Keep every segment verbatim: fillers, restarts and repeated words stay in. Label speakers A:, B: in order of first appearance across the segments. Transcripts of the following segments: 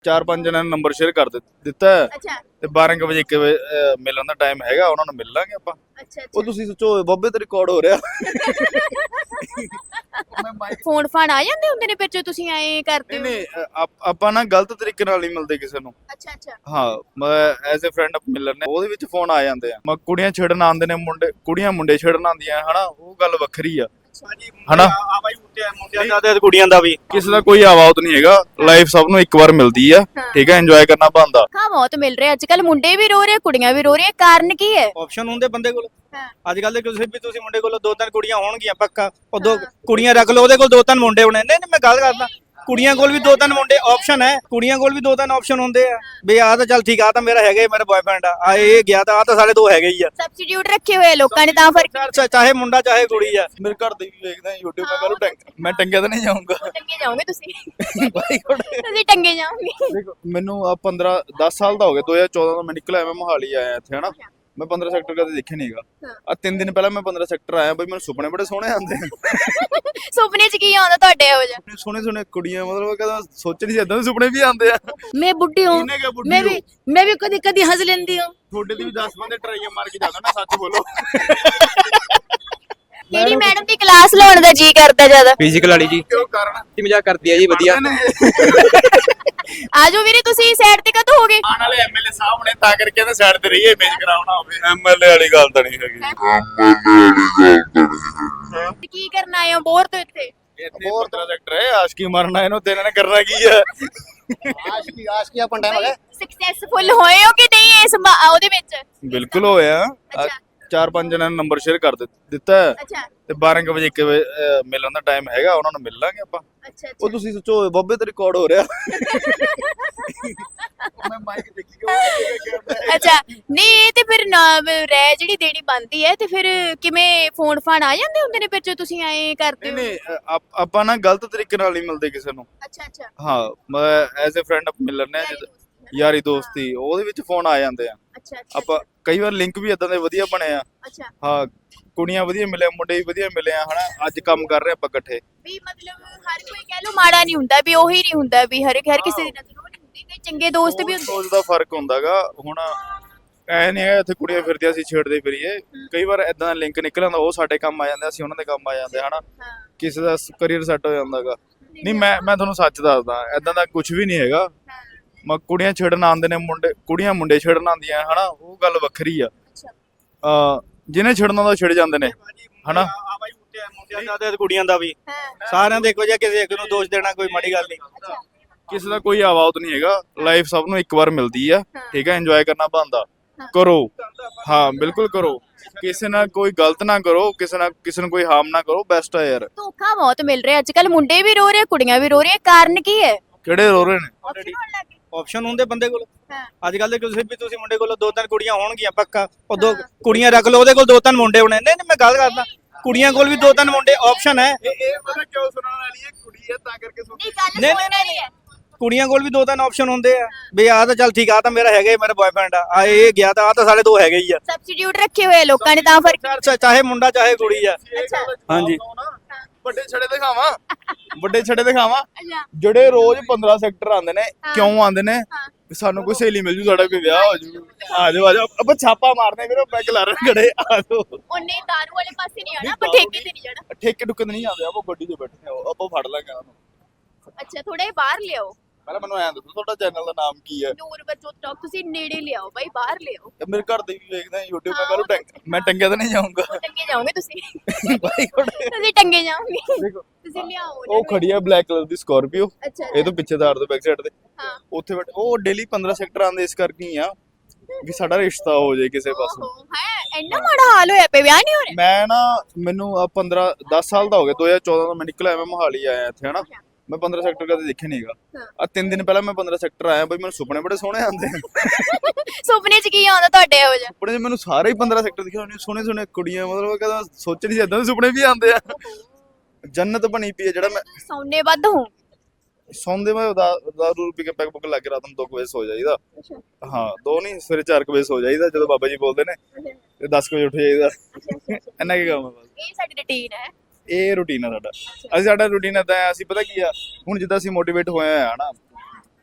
A: ਚਾਰ ਪੰਜ ਜਣਾਂ ਨੂੰ ਨੰਬਰ ਸ਼ੇਅਰ ਕਰ ਦਿੱ- ਦਿੱਤਾ ਹੈ
B: ਅੱਛਾ
A: ਤੇ ਬਾਰਾਂ ਕੁ ਵਜੇ ਇੱਕ ਵਜੇ ਅਹ, ਮਿਲਣ ਦਾ ਟਾਈਮ ਹੈਗਾ, ਉਹਨਾਂ ਨੂੰ ਮਿਲ ਲਾਂਗੇ ਆਪਾਂ।
B: ਅੱਛਾ
A: ਉਹ ਤੁਸੀਂ ਸੋਚੋ ਬੱਬੇ ਤੇ ਰਿਕਾਰਡ ਹੋ ਰਿਹਾ।
B: ਫੋਨ ਫਾਨ ਆ ਜਾਂਦੇ ਹੁੰਦੇ ਨੇ ਫਿਰ ਜੋ ਤੁਸੀਂ ਐਂ ਕਰਦੇ
A: ਨਹੀਂ
B: ਹੋ?
A: ਨਹੀਂ ਅ- ਆਪ- ਆਪਾਂ ਨਾ ਗਲਤ ਤਰੀਕੇ ਨਾਲ ਨਹੀਂ ਮਿਲਦੇ ਕਿਸੇ ਨੂੰ।
B: ਅੱਛਾ ਅੱਛਾ
A: ਹਾਂ ਮੈਂ ਐਜ਼ ਅ ਫਰੈਂਡ ਮਿਲਣ ਨੇ ਉਹਦੇ ਵਿੱਚ ਫੋਨ ਆ ਜਾਂਦੇ ਆ, ਮੈਂ ਕੁੜੀਆਂ ਛੇੜਨ ਆਉਂਦੇ ਨੇ, ਮੁੰਡੇ ਕੁੜੀਆਂ ਮੁੰਡੇ ਛੇੜਨ ਆਉਂਦੀਆਂ ਹਨਾ, ਉਹ ਗੱਲ ਵੱਖਰੀ ਆ ਹਨਾ।
C: ਆ ਬਾਈ ਮੁੰਡਿਆਂ ਦਾ ਤੇ ਕੁੜੀਆਂ ਦਾ ਵੀ
A: ਕਿਸੇ ਦਾ ਕੋਈ ਆਵਾਜ਼ ਨਹੀਂ ਹੈਗਾ, ਲਾਈਫ ਸਭ ਨੂੰ ਇੱਕ ਵਾਰ ਮਿਲਦੀ ਆ, ਠੀਕ ਹੈ, ਇੰਜੋਏ ਕਰਨਾ ਬਣਦਾ।
B: ਹਾਂ ਬਹੁਤ ਮਿਲ ਰਹੇ ਅੱਜ ਕੱਲ, ਮੁੰਡੇ ਵੀ ਰੋ ਰਹੇ ਕੁੜੀਆਂ ਵੀ ਰੋ ਰਹੀਆਂ, ਕਾਰਨ ਕੀ ਹੈ?
C: ਆਪਸ਼ਨ ਹੁੰਦੇ ਬੰਦੇ ਕੋਲ।
B: ਹਾਂ
C: ਅੱਜ ਕੱਲ ਦੇ ਕਿਸੇ ਵੀ ਤੁਸੀਂ ਮੁੰਡੇ ਕੋਲ ਦੋ ਤਿੰਨ ਕੁੜੀਆਂ ਹੋਣਗੀਆਂ ਪੱਕਾ, ਉਹ ਦੋ ਕੁੜੀਆਂ ਰੱਖ ਲਓ, ਉਹਦੇ ਕੋਲ ਦੋ ਤਿੰਨ ਮੁੰਡੇ ਹੋਣੇ। ਨਹੀਂ ਨਹੀਂ ਮੈਂ ਗੱਲ ਕਰਦਾ, ਕੁੜੀਆਂ ਕੋਲ ਵੀ ਦੋ ਤਿੰਨ ਮੁੰਡੇ ਆਪਸ਼ਨ ਹੈ, ਕੁੜੀਆਂ ਕੋਲ ਵੀ ਦੋ ਤਿੰਨ ਆਪਸ਼ਨ ਹੁੰਦੇ ਆ ਵੀ ਆਹ ਤਾਂ ਚੱਲ ਠੀਕ ਆ, ਤਾਂ ਮੇਰਾ ਹੈਗਾ ਹੀ, ਮੇਰਾ ਬॉयਫ੍ਰੈਂਡ ਆ, ਆ ਇਹ ਗਿਆ ਤਾਂ ਆ ਤਾਂ ਸਾਡੇ ਦੋ ਹੈਗੇ ਹੀ ਆ।
B: ਸਬਸਟੀਟਿਊਟ ਰੱਖੇ ਹੋਏ ਆ ਲੋਕਾਂ ਨੇ, ਤਾਂ ਫਰਕ
C: ਚਾਹੇ- ਚਾਹੇ ਮੁੰਡਾ ਚਾਹੇ ਕੁੜੀ ਆ।
A: ਮੇਰੇ ਘਰ ਦੇ ਵੀ ਵੇਖਦੇ ਆ YouTube, ਮੈਂ ਕੱਲ ਟੰਗ ਮੈਂ ਟੰਗਿਆ ਤਾਂ ਨਹੀਂ ਜਾਊਂਗਾ।
B: ਟੰਗੇ ਜਾਓਗੇ ਤੁਸੀਂ,
A: ਬਾਈ ਕੋਲੇ
B: ਤੁਸੀਂ ਟੰਗੇ ਜਾਓਗੇ।
A: ਦੇਖੋ ਮੈਨੂੰ ਆ ਪੰਦਰਾਂ ਦਸ ਸਾਲ ਦਾ ਹੋ ਗਿਆ, ਦੋ ਹਜ਼ਾਰ ਚੌਦਾਂ ਦਾ ਮੈਂ ਨਿਕਲਿਆ, ਮੈਂ ਮੋਹਾਲੀ ਆਇਆ ਇੱਥੇ ਹਨਾ। ਮੈਂ ਪੰਦਰਾਂ ਸੈਕਟਰ ਕਦੇ ਦੇਖੇ ਨਹੀਂਗਾ। ਆ ਤਿੰਨ ਦਿਨ ਪਹਿਲਾਂ ਮੈਂ ਪੰਦਰਾਂ ਸੈਕਟਰ ਆਇਆ, ਬਈ ਮੈਨੂੰ ਸੁਪਨੇ ਬੜੇ ਸੋਹਣੇ ਆਉਂਦੇ ਆ।
B: ਸੁਪਨੇ ਚ ਕੀ ਆਉਂਦਾ ਤੁਹਾਡੇ ਇਹੋ ਜਿਹਾ?
A: ਸੋਹਣੇ ਸੋਹਣੇ ਕੁੜੀਆਂ, ਮਤਲਬ ਕਹਿੰਦਾ ਸੋਚ ਨਹੀਂ ਸੀ ਏਦਾਂ ਦੇ ਸੁਪਨੇ ਵੀ ਆਉਂਦੇ ਆ।
D: मैं बुढ़ी हूँ,
A: ਕਿਹਨੇ ਕਿਹਾ ਬੁੱਢੀ
D: मैं
A: ਹੋ?
D: भी मैं भी कभी कभी हंस लेती हूँ।
A: ਤੁਹਾਡੇ ਦੀ ਵੀ ਦਸ ਬੰਦੇ ਟਰਾਈਆਂ ਮਾਰ ਕੇ ਜਾਂਦਾ ਨਾ, ਸੱਚ ਬੋਲੋ।
B: ਕਿਹੜੀ ਮੈਡਮ ਦੀ ਕਲਾਸ ਲਾਉਣ ਦਾ ਜੀ ਕਰਦਾ ਜ਼ਿਆਦਾ?
E: ਫਿਜ਼ੀਕਲ ਵਾਲੀ ਜੀ
A: ਕਿਉਂ ਕਾਰਨ
E: ਕੀ ਮਜ਼ਾਕ ਕਰਦੀ ਹੈ ਜੀ ਵਧੀਆ।
B: ਆਜੋ ਵੀਰੇ, ਤੁਸੀਂ ਸਾਈਡ ਤੇ ਕਦੋਂ ਹੋਗੇ?
A: ਆਣ ਵਾਲੇ ਐਮਐਲਏ ਸਾਹਿਬ ਨੇ ਤਾਂ ਕਰਕੇ ਇਹਦੇ ਸਾਈਡ ਤੇ ਰਹੀਏ, ਇਮੇਜ ਕਰਾਉਣਾ ਹੋਵੇ। ਐਮਐਲਏ ਵਾਲੀ ਗੱਲ ਤਾਂ ਨਹੀਂ ਹੈਗੀ।
B: ਕੀ ਕਰਨ ਆਏ ਹੋ ਬੋਰ ਤੋਂ ਇੱਥੇ?
A: ਇੱਥੇ ਪੰਦਰਾਂ ਸੈਕਟਰ ਹੈ, ਆਸ਼ਕੀ ਮਰਨਾ ਇਹਨੂੰ ਤੇ ਇਹਨਾਂ ਨੇ ਕਰਨਾ ਕੀ ਹੈ?
C: ਆਸ਼ਕੀ ਆਸ਼ਕੀ ਆਪਾਂ ਟਾਈਮ ਹੋ ਗਿਆ।
B: ਸਕਸੈਸਫੁਲ ਹੋਏ ਹੋ ਕਿ ਨਹੀਂ ਇਸ ਮਾ- ਉਹਦੇ ਵਿੱਚ?
A: ਬਿਲਕੁਲ ਹੋਇਆ।
B: ਅੱਛਾ।
A: ਚਾਰ ਪੰਜ ਜਣਾਂ ਨੂੰ ਨੰਬਰ ਸ਼ੇਅਰ ਕਰ ਦਿੱ- ਦਿੱਤਾ ਹੈ
B: ਅੱਛਾ
A: ਤੇ ਬਾਰਾਂ ਕੁ ਵਜੇ ਇੱਕ ਵਜੇ ਅਹ, ਮਿਲਣ ਦਾ ਟਾਈਮ ਹੈਗਾ, ਉਹਨਾਂ ਨੂੰ ਮਿਲ ਲਾਂਗੇ ਆਪਾਂ।
B: ਅੱਛਾ
A: ਉਹ ਤੁਸੀਂ ਸੋਚੋ ਬੱਬੇ ਤੇ ਰਿਕਾਰਡ ਹੋ ਰਿਹਾ। ਮੈਂ ਮਾਈਕ ਦੇਖੀ
B: ਅੱਛਾ ਨਹੀਂ, ਇਹ ਤੇ ਫਿਰ ਨਾ ਰਹਿ ਜਿਹੜੀ ਦੇਣੀ ਬਣਦੀ ਹੈ, ਤੇ ਫਿਰ ਕਿਵੇਂ ਫੋਨ ਫਾਨ ਆ ਜਾਂਦੇ ਹੁੰਦੇ ਨੇ ਫਿਰ ਜੋ ਤੁਸੀਂ ਐਂ ਕਰਦੇ
A: ਨਹੀਂ
B: ਹੋ?
A: ਨਹੀਂ ਅ- ਆਪ- ਆਪਾਂ ਨਾ ਗਲਤ ਤਰੀਕੇ ਨਾਲ ਨਹੀਂ ਮਿਲਦੇ ਕਿਸੇ ਨੂੰ।
B: ਅੱਛਾ ਅੱਛਾ
A: ਹਾਂ ਮੈਂ ਐਜ਼ ਅ ਫਰੈਂਡ ਮਿਲਣ ਨੇ, ਯਾਰੀ ਦੋਸਤੀ, ਉਹਦੇ ਵਿੱਚ ਫੋਨ ਆ ਜਾਂਦੇ ਆ।
B: ਅੱਛਾ ਅੱਛਾ
A: ਆਪਾਂ ਕਈ ਵਾਰ ਲਿੰਕ ਵੀ ਇਦਾਂ ਦੇ ਵਧੀਆ ਬਣੇ ਆ।
B: ਅੱਛਾ
A: ਹਾਂ ਕੁੜੀਆਂ ਵਧੀਆ ਮਿਲੇ, ਮੁੰਡੇ ਵੀ ਵਧੀਆ ਮਿਲੇ ਆ ਹਨਾ, ਅੱਜ ਕੰਮ ਕਰ ਰਹੇ ਆਪਾਂ ਇਕੱਠੇ।
B: ਵੀ ਮਤਲਬ ਹਰ ਕੋਈ ਕਹਿ ਲੋ ਮਾੜਾ ਨਹੀਂ ਹੁੰਦਾ, ਵੀ ਉਹੀ ਨਹੀਂ ਹੁੰਦਾ, ਵੀ ਹਰ ਹਰ ਕਿਸੇ ਦੀ ਨਜ਼ਰ ਉਹ ਨਹੀਂ ਹੁੰਦੀ, ਕਈ ਚੰਗੇ ਦੋਸਤ ਵੀ ਹੁੰਦੇ।
A: ਸੋਚ ਦਾ ਫਰਕ ਹੁੰਦਾਗਾ। ਹੁਣ ਐ ਨਹੀਂ ਹੈ ਇੱਥੇ ਕੁੜੀਆਂ ਫਿਰਦੀਆਂ ਸੀ ਛੇੜਦੇ ਫਿਰੀਏ, ਕਈ ਵਾਰ ਇਦਾਂ ਦਾ ਲਿੰਕ ਨਿਕਲ ਆਉਂਦਾ, ਉਹ ਸਾਡੇ ਕੰਮ ਆ ਜਾਂਦੇ, ਅਸੀਂ ਉਹਨਾਂ ਦੇ ਕੰਮ ਆ ਜਾਂਦੇ ਹਨਾ,
B: ਹਾਂ
A: ਕਿਸੇ ਦਾ ਕਰੀਅਰ ਸੈੱਟ ਹੋ ਜਾਂਦਾਗਾ। ਨਹੀਂ ਮੈਂ ਮੈਂ ਤੁਹਾਨੂੰ ਸੱਚ ਦੱਸਦਾ, ਇਦਾਂ ਦਾ ਕੁਝ ਵੀ ਨਹੀਂ ਹੈਗਾ। ਮੈਂ ਕੁੜੀਆਂ ਛੇੜਨ ਆਉਂਦੇ ਨੇ, ਮੁੰਡੇ ਕੁੜੀਆਂ ਮੁੰਡੇ ਛੇੜਨ ਆਉਂਦੀਆਂ ਹਨਾ, ਉਹ ਗੱਲ ਵੱਖਰੀ ਆ। ਅ ਜਿਹਨੇ ਛੇੜਨਾ ਦਾ ਛਿੜ ਜਾਂਦੇ ਨੇ ਹਨਾ।
C: ਆ ਬਾਈ ਮੁੰਡਿਆਂ ਦਾ ਤੇ ਕੁੜੀਆਂ ਦਾ ਵੀ
B: ਹਾਂ
C: ਸਾਰਿਆਂ ਦੇ ਇੱਕੋ ਜਿਹਾ, ਕਿਸੇ ਇੱਕ ਨੂੰ ਦੋਸ਼ ਦੇਣਾ ਕੋਈ ਮਾੜੀ ਗੱਲ ਨਹੀਂ।
A: ਕਿਸੇ ਦਾ ਕੋਈ ਆਵਾਜ਼ ਨਹੀਂ ਹੈਗਾ, ਲਾਈਫ ਸਭ ਨੂੰ ਇੱਕ ਵਾਰ ਮਿਲਦੀ ਆ, ਠੀਕ ਹੈ, ਇੰਜੋਏ ਕਰਨਾ ਬਣਦਾ। ਕਰੋ, ਹਾਂ ਬਿਲਕੁਲ ਕਰੋ, ਕਿਸੇ ਨਾਲ ਕੋਈ ਗਲਤ ਨਾ ਕਰੋ, ਕਿਸੇ ਨਾਲ ਕਿਸੇ ਨੂੰ ਕੋਈ ਹਾਰਮ ਨਾ ਕਰੋ, ਬੈਸਟ ਆ ਯਾਰ।
B: ਧੋਖਾ ਬਹੁਤ ਮਿਲ ਰਿਹਾ ਅੱਜ ਕੱਲ, ਮੁੰਡੇ ਵੀ ਰੋ ਰਹੇ ਕੁੜੀਆਂ ਵੀ ਰੋ ਰਹੀਆਂ, ਕਾਰਨ ਕੀ ਹੈ?
A: ਕਿਹੜੇ ਰੋ ਰਹੇ ਨੇ?
B: Option ਹੋਣ ਲੱਗ ਗਏ।
C: ਆਪਸ਼ਨ ਹੁੰਦੇ ਬੰਦੇ ਕੋਲ।
B: ਹਾਂ
C: ਅੱਜ ਕੱਲ ਦੇ ਕਿਸੇ ਵੀ ਤੁਸੀਂ ਮੁੰਡੇ ਕੋਲ ਦੋ ਤਿੰਨ ਕੁੜੀਆਂ ਹੋਣਗੀਆਂ ਪੱਕਾ, ਉਹ ਦੋ ਕੁੜੀਆਂ ਰੱਖ ਲਓ, ਉਹਦੇ ਕੋਲ ਦੋ ਤਿੰਨ ਮੁੰਡੇ ਹੋਣੇ। ਨਹੀਂ ਨਹੀਂ ਮੈਂ ਗੱਲ ਕਰਦਾ, ਕੁੜੀਆਂ ਕੋਲ ਵੀ ਦੋ ਤਿੰਨ ਮੁੰਡੇ ਆਪਸ਼ਨ ਹੈ।
A: ਇਹ ਪਤਾ ਕਿਉਂ ਸੁਣਨ ਵਾਲੀ ਹੈ, ਕੁੜੀ ਹੈ ਤਾਂ ਕਰਕੇ ਸੁਣ।
B: ਨਹੀਂ ਗੱਲ
C: ਨਹੀਂ,
B: ਸੁਣਨ ਵਾਲੀ ਹੈ।
C: ਕੁੜੀਆਂ ਕੋਲ ਵੀ ਦੋ ਤਿੰਨ ਆਪਸ਼ਨ ਹੁੰਦੇ ਆ ਵੀ ਆਹ ਤਾਂ ਚੱਲ ਠੀਕ ਆ, ਤਾਂ ਮੇਰਾ ਹੈਗਾ ਹੀ, ਮੇਰਾ ਬॉयਫ੍ਰੈਂਡ ਆ, ਆ ਇਹ ਗਿਆ ਤਾਂ ਆ ਤਾਂ ਸਾਡੇ ਦੋ ਹੈਗੇ ਹੀ ਆ।
B: ਸਬਸਟੀਟਿਊਟ ਰੱਖੇ ਹੋਏ ਆ ਲੋਕਾਂ ਨੇ, ਤਾਂ ਫਰਕ
C: ਚਾਹੇ- ਚਾਹੇ ਮੁੰਡਾ ਚਾਹੇ ਕੁੜੀ ਆ।
B: ਅੱਛਾ
C: ਹਾਂਜੀ
A: ਵੱਡੇ ਛੜੇ ਦਿਖਾਵਾਂ, ਵੱਡੇ ਛੜੇ ਦਿਖਾਵਾਂ,
B: ਅੱਛਾ
A: ਜਿਹੜੇ ਰੋਜ਼ ਪੰਦਰਾਂ ਸੈਕਟਰ ਆਉਂਦੇ ਨੇ, ਕਿਉਂ ਆਉਂਦੇ ਨੇ?
B: ਹਾਂ
A: ਵੀ ਸਾਨੂੰ ਕੋਈ ਸਹੇਲੀ ਮਿਲ ਜੂ, ਸਾਡਾ ਕੋਈ ਵਿਆਹ ਹੋ ਜੂ, ਆ ਜਾਓ ਆ ਜਾਓ, ਆਪਾਂ ਛਾਪਾ ਮਾਰਦੇ ਵੀਰੋ, ਪੈਗ ਲਾ ਰਹੇ ਖੜੇ, ਆ ਜਾਓ।
B: ਉਹਨੇ ਦਾਰੂ ਵਾਲੇ ਪਾਸੇ ਨਹੀਂ ਆਣਾ, ਆਪਾਂ ਠੇਕੇ ਤੇ ਨਹੀਂ ਜਾਣਾ।
A: ਠੇਕੇ ਟੁੱਕੇ ਨਹੀਂ ਆਉਂਦੇ, ਆਪਾਂ ਗੱਡੀ 'ਚ ਬੈਠੇ ਆ, ਆਪਾਂ ਫੜ ਲਾਂਗੇ ਉਹਨਾਂ ਨੂੰ।
B: ਅੱਛਾ ਥੋੜੇ ਬਾਹਰ ਲਿਆਓ,
A: ਪਹਿਲਾਂ ਮੈਨੂੰ ਐਂ ਦੱਸੋ ਤੁਹਾਡਾ ਚੈਨਲ ਦਾ ਨਾਮ ਕੀ ਹੈ?
B: ਨੂਰ ਬਰਜੋਤ ਟਾਕ, ਤੁਸੀਂ ਨੇੜੇ ਲਿਆਓ ਬਾਈ, ਬਾਹਰ ਲਿਆਓ।
A: ਤੇ ਮੇਰੇ ਘਰ ਦੇ ਵੀ ਵੇਖਦੇ ਆ YouTube, ਮੈਂ ਕੱਲ ਟੰਗ ਮੈਂ ਟੰਗਿਆ ਤਾਂ ਨਹੀਂ ਜਾਊਂਗਾ।
B: ਟੰਗੇ ਜਾਓਗੇ ਤੁਸੀਂ,
A: ਬਾਈ ਕੋਲੇ
B: ਤੁਸੀਂ ਟੰਗੇ ਜਾਓਗੇ।
A: ਦੇਖੋ
B: ਤੁਸੀਂ ਲਿਆਓ
A: ਉਹ ਖੜੀ ਆ ਬਲੈਕ ਕਲਰ ਦੀ ਸਕਾਰਪੀਓ,
B: ਅੱਛਾ
A: ਇਹ ਤੋਂ ਪਿੱਛੇ ਤਾਰ ਦੇ ਬੈਕ ਸਾਈਡ ਤੇ,
B: ਹਾਂ
A: ਉੱਥੇ ਬੈਠ ਉਹ ਡੇਲੀ ਪੰਦਰਾਂ ਸੈਕਟਰ ਆਉਂਦੇ, ਇਸ ਕਰਕੇ ਹੀ ਆ ਵੀ ਸਾਡਾ ਰਿਸ਼ਤਾ ਹੋ ਜਾਏ ਕਿਸੇ ਪਾਸੋਂ।
B: ਓਹੋ ਹੈ, ਇੰਨਾ ਮਾੜਾ ਹਾਲ ਹੋਇਆ ਪਿਆ, ਵਿਆਹ ਨਹੀਂ ਹੋ ਰਿਹਾ?
A: ਮੈਂ ਨਾ ਮੈਨੂੰ ਆ ਪੰਦਰਾਂ ਦਸ ਸਾਲ ਦਾ ਹੋ ਗਿਆ, ਦੋ ਹਜ਼ਾਰ ਚੌਦਾਂ ਦਾ ਮੈਂ ਨਿਕਲਿਆ, ਮੈਂ ਮੋਹਾਲੀ ਆਇਆ ਇੱਥੇ ਹਨਾ। ਮੈਂ ਪੰਦਰਾਂ ਸੈਕਟਰ ਕਦੇ ਦੇਖੇ ਨਹੀਂਗਾ। ਆ ਤਿੰਨ ਦਿਨ ਪਹਿਲਾਂ ਮੈਂ ਪੰਦਰਾਂ ਸੈਕਟਰ ਆਇਆ, ਬਈ ਮੈਨੂੰ ਸੁਪਨੇ ਬੜੇ ਸੋਹਣੇ ਆਉਂਦੇ ਆ।
B: ਸੁਪਨੇ ਚ ਕੀ ਆਉਂਦਾ ਤੁਹਾਡੇ ਇਹੋ ਜਿਹਾ?
A: ਸੁਪਨੇ 'ਚ ਮੈਨੂੰ ਸਾਰੇ ਹੀ ਪੰਦਰਾਂ ਸੈਕਟਰ ਦਿਖੇ ਹੋਣੇ, ਸੋਹਣੇ ਸੋਹਣੇ ਕੁੜੀਆਂ, ਮਤਲਬ ਕਹਿੰਦਾ ਸੋਚ ਨਹੀਂ ਸੀ ਏਦਾਂ ਦੇ ਸੁਪਨੇ ਵੀ ਆਉਂਦੇ ਆ। ਜੰਨਤ ਬਣੀ ਪਈ ਹੈ ਜਿਹੜਾ ਮੈਂ
B: ਸੌਨੇ ਵੱਧ ਹੂੰ।
A: ਸੌਂਦੇ ਮੈਂ ਦਾਰੂ ਪੀ ਕੇ ਪੈਗ ਪੁੱਗ ਲਾ ਕੇ ਰਾਤ ਨੂੰ ਦੋ ਕੁ ਵਜੇ ਸੋ ਜਾਈਦਾ। ਹਾਂ ਦੋ ਨਹੀਂ, ਸਵੇਰੇ ਚਾਰ ਕੁ ਵਜੇ ਸੋ ਜਾਈਦਾ, ਜਦੋਂ ਬਾਬਾ ਜੀ ਬੋਲਦੇ ਨੇ, ਤੇ ਦਸ ਕੁ ਵਜੇ ਉੱਠ ਜਾਈਦਾ। ਇੰਨਾ ਕੀ ਕੰਮ ਹੈ ਬਸ,
B: ਇਹ ਸਾਡੀ ਰੁਟੀਨ ਹੈ।
A: ਇਹ ਰੂਟੀਨ ਆ ਸਾਡਾ। ਅਸੀਂ ਸਾਡਾ ਰੂਟੀਨ ਏਦਾਂ ਹੈ, ਅਸੀਂ ਪਤਾ ਕੀ ਆ, ਹੁਣ ਜਿੱਦਾਂ ਅਸੀਂ ਮੋਟੀਵੇਟ ਹੋਏ ਆ ਨਾ,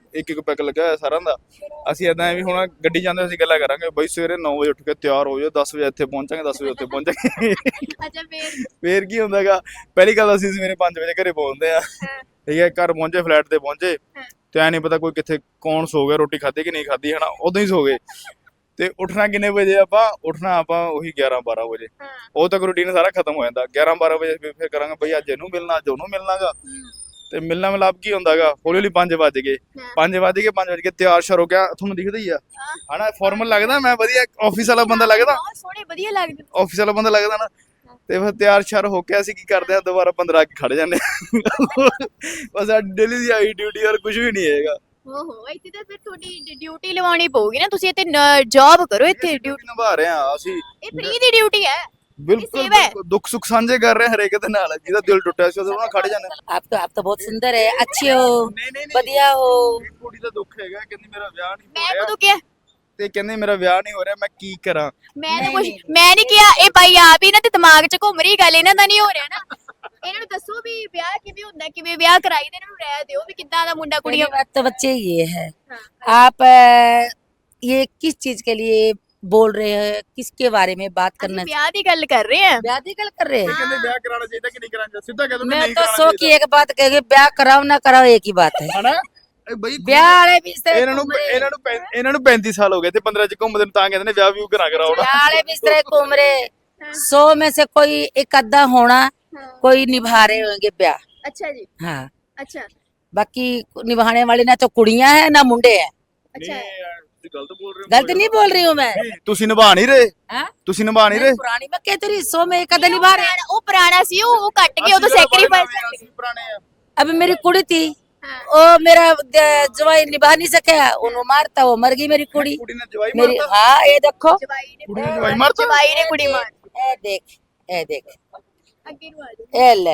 A: ਇੱਕ ਇੱਕ ਪੈਕ ਲੱਗਿਆ ਹੋਇਆ ਸਾਰਿਆਂ ਦਾ। ਅਸੀਂ ਇਦਾਂ ਵੀ ਹੁਣ ਗੱਡੀ ਜਾਂਦੇ ਅਸੀਂ ਗੱਲਾਂ ਕਰਾਂਗੇ ਬਈ ਸਵੇਰੇ ਨੌ ਵਜੇ ਉੱਠ ਕੇ ਤਿਆਰ ਹੋ ਜਾਓ, ਦਸ ਵਜੇ ਇੱਥੇ ਪਹੁੰਚਾਂਗੇ, ਦਸ ਵਜੇ ਉੱਥੇ ਪਹੁੰਚਾਂਗੇ।
B: ਅੱਛਾ ਫੇਰ
A: ਫੇਰ ਕੀ ਹੁੰਦਾਗਾ, ਪਹਿਲੀ ਗੱਲ ਅਸੀਂ ਸਵੇਰੇ ਪੰਜ ਵਜੇ ਘਰੇ ਪਹੁੰਚਦੇ ਆ, ਠੀਕ ਹੈ, ਘਰ ਪਹੁੰਚੇ, ਫਲੈਟ ਤੇ ਪਹੁੰਚੇ, ਤੇ ਐ ਨਹੀਂ ਪਤਾ ਕੋਈ ਕਿੱਥੇ ਕੌਣ ਸੋ ਗਿਆ, ਰੋਟੀ ਖਾਧੀ ਕਿ ਨਹੀਂ ਖਾਧੀ, ਹਨਾ, ਉਦੋਂ ਹੀ ਸੋ ਗਏ। ਤੇ ਉੱਠਣਾ ਕਿੰਨੇ ਵਜੇ ਆਪਾਂ ਉੱਠਣਾ ਆਪਾਂ ਉਹੀ ਗਿਆਰਾਂ ਬਾਰਾਂ ਵਜੇ, ਉਹ ਤੱਕ ਰੂਟੀਨ ਸਾਰਾ ਖਤਮ ਹੋ ਜਾਂਦਾ। ਗਿਆਰਾਂ ਬਾਰਾਂ ਵਜੇ ਫਿਰ ਫਿਰ ਕਰਾਂਗੇ ਬਈ ਅੱਜ ਇਹਨੂੰ ਮਿਲਣਾ, ਅੱਜ ਉਹਨੂੰ ਮਿਲਣਾਗਾ, ਤੇ ਮਿਲਣਾ ਮਿਲਾਪ ਕੀ ਹੁੰਦਾਗਾ, ਹੌਲੀ ਹੌਲੀ ਪੰਜ ਵੱਜ ਗਏ, ਪੰਜ ਵੱਜ ਗਏ, ਪੰਜ ਵੱਜ ਕੇ ਤਿਆਰ ਸ਼ਰ ਹੋ ਗਿਆ, ਤੁਹਾਨੂੰ ਦਿਖਦਾ ਹੀ ਆ ਹਨਾ, ਫਾਰਮਲ ਲੱਗਦਾ, ਮੈਂ ਵਧੀਆ ਆਫਿਸ ਵਾਲਾ ਬੰਦਾ ਲੱਗਦਾ,
B: ਬਹੁਤ ਸੋਹਣੇ ਵਧੀਆ ਲੱਗਦੇ।
A: ਆਫਿਸ ਵਾਲਾ ਬੰਦਾ ਲੱਗਦਾ ਨਾ, ਤੇ ਫਿਰ ਤਿਆਰ ਸ਼ਰ ਹੋ ਕੇ ਅਸੀਂ ਕੀ ਕਰਦੇ ਆ, ਦੁਬਾਰਾ ਪੰਦਰਾਂ ਕੇ ਖੜ ਜਾਂਦੇ ਆ। ਬਸ ਸਾਡੀ ਡੇਲੀ ਦੀ ਆਈ ਡਿਊਟੀ ਔਰ ਕੁਝ ਵੀ ਨਹੀਂ ਹੈਗਾ।
B: ਓਹੋ ਇੱਥੇ ਤਾਂ ਫਿਰ ਤੁਹਾਡੀ ਡਿਊਟੀ ਲਵਾਉਣੀ ਪਊਗੀ ਨਾ, ਤੁਸੀਂ ਇੱਥੇ ਜੌਬ ਕਰੋ, ਇੱਥੇ ਡਿਊਟੀ
A: ਨਿਭਾ ਰਹੇ ਆ ਅਸੀਂ,
B: ਇਹ ਫ੍ਰੀ ਦੀ ਡਿਊਟੀ ਹੈ।
A: ਬਿਲਕੁਲ
B: ਸੇਵਾ ਹੈ।
A: ਬਿਲਕੁਲ, ਦੁੱਖ ਸੁੱਖ ਸਾਂਝੇ ਕਰ ਰਹੇ ਹਾਂ ਹਰੇਕ ਦੇ ਨਾਲ, ਜਿਹਦਾ ਦਿਲ ਟੁੱਟਿਆ ਸੀ ਉਹਦੇ ਨਾਲ ਖੜ ਜਾਂਦੇ।
D: आप तो आप तो बहुत सुंदर है, अच्छे हो,
A: ਨਹੀਂ ਨਹੀਂ
D: बढ़िया हो।
A: ਕੁੜੀ ਦਾ ਦੁੱਖ ਹੈਗਾ, ਕਹਿੰਦੀ ਮੇਰਾ ਵਿਆਹ ਨਹੀਂ
B: ਮੈਂ
A: ਹੋ ਰਿਹਾ,
B: ਕਦੋਂ ਕਿਹਾ,
A: ਤੇ ਕਹਿੰਦੇ ਮੇਰਾ ਵਿਆਹ ਨਹੀਂ ਹੋ ਰਿਹਾ, ਮੈਂ ਕੀ ਕਰਾਂ।
B: ਮੈਂ ਤਾਂ
D: ਨਹੀਂ,
B: ਕੁਝ
D: ਨਹੀਂ।
B: ਮੈਂ ਨਹੀਂ ਕਿਹਾ, ਇਹ ਬਾਈ ਆਪ ਹੀ ਨਾ ਤੇ ਦਿਮਾਗ 'ਚ ਘੁੰਮ ਰਹੀ ਗੱਲ, ਇਹਨਾਂ ਦਾ ਨਹੀਂ ਹੋ ਰਿਹਾ ਨਾ। ਇਹਨਾਂ ਨੂੰ ਦੱਸੋ ਵੀ ਵਿਆਹ ਕਿਵੇਂ ਹੁੰਦਾ, ਕਿਵੇਂ ਵਿਆਹ ਕਰਾਈ ਦੇ, ਇਹਨਾਂ ਨੂੰ ਰਹਿ ਦਿਓ ਵੀ ਕਿੱਦਾਂ ਦਾ ਮੁੰਡਾ
D: पहली
B: ਕੁੜੀਆਂ।
D: बात तो बच्चे ये है,
B: हाँ।
D: आप अ, ये किस चीज के लिए बोल रहे हैं, किसके बारे में बात
B: ਅਸੀਂ
D: करना
B: ਵਿਆਹ ਦੀ ਗੱਲ ਕਰ ਰਹੇ ਹਾਂ।
D: ब्याह की गल कर रहे हैं।
A: ਕਹਿੰਦੇ ਵਿਆਹ ਕਰਾਉਣਾ ਚਾਹੀਦਾ ਕਿ ਨਹੀਂ ਕਰਾਉਣਾ ਚਾਹੀਦਾ, ਸਿੱਧਾ ਕਹਿ ਦੋ
D: मैं
A: ਨਹੀਂ
D: तो
A: ਕਰਾਉਣਾ
D: सो की
A: ਚਾਹੀਦਾ,
D: एक बात कहेगी, ब्याह कराओ ना कराओ एक ही बात है।
A: ਹਨਾ। ਇਹ ਬਈ
D: ब्याह वाले भी इस तरह
A: ਇਹਨਾਂ ਨੂੰ
D: घूम रहे,
A: ਇਹਨਾਂ ਨੂੰ ਪੈਂ- ਇਹਨਾਂ ਨੂੰ ਪੈਂਤੀ ਸਾਲ ਹੋ ਗਏ ਤੇ पंद्रह ਚ ਘੁੰਮਦੇ ਨੂੰ, ਤਾਂ ਕਹਿੰਦੇ ਨੇ ਵਿਆਹ ਵੀ ਕਰਾ ਕਰਾਉਣਾ।
D: ब्याह वाले भी इस तरह घूम रहे। सौ में से कोई एक अद्धा होना, कोई निभा रहे होंगे ब्याह।
B: ਅੱਛਾ ਜੀ,
D: हाँ,
B: ਅੱਛਾ
D: बाकी निभाने वाले ना तो कुड़ियां हैं ना मुंडे हैं।
B: ਅੱਛਾ।
A: ਨਹੀਂ ਤੁਸੀਂ ਗਲਤ ਬੋਲ ਰਹੇ ਹੋ।
D: गलत नहीं बोल रही हूँ मैं।
A: ਨਹੀਂ, ਤੁਸੀਂ ਨਿਭਾ ਨਹੀਂ ਰਹੇ,
D: हाँ?
A: ਤੁਸੀਂ ਨਿਭਾ ਨਹੀਂ ਰਹੇ।
D: पुरानी मैं कहती रही, सौ में एक अद्धा निभा रहे।
B: ਪੁਰਾਣਾ- ਉਹ ਪੁਰਾਣਾ ਸੀ, ਉਹ ਉਹ ਕੱਟ ਕੇ ਉਦੋਂ
A: ਅਸੀਂ ਤਾਂ ਬੜੇ
B: ਸੈਕਰੀਫਾਈਸ
A: ਨਵੇਂ ਆ, ਅਸੀਂ ਪੁਰਾਣੇ ਆ।
D: अब मेरी कुड़ी थी,
B: हाँ।
D: वो मेरा द- जवाई निभा नहीं सका, उन्होंने मारता, वो मर गई मेरी कुड़ी।
A: ਕੁੜੀ ਨੇ ਜਵਾਈ
D: मेरी
A: ਮਾਰਤਾ,
D: हाँ ये देखो,
B: ਜਵਾਈ ਨੇ
A: ਕੁੜੀ ਨੇ ਜਵਾਈ ਮਾਰਤਾ।
B: ਜਵਾਈ ਨੇ ਕੁੜੀ ਮਾਰ
D: ए देख, ए देख,
B: ਅੱਗੇ ਨੂੰ ਆ ਜਾ।
D: ए ले,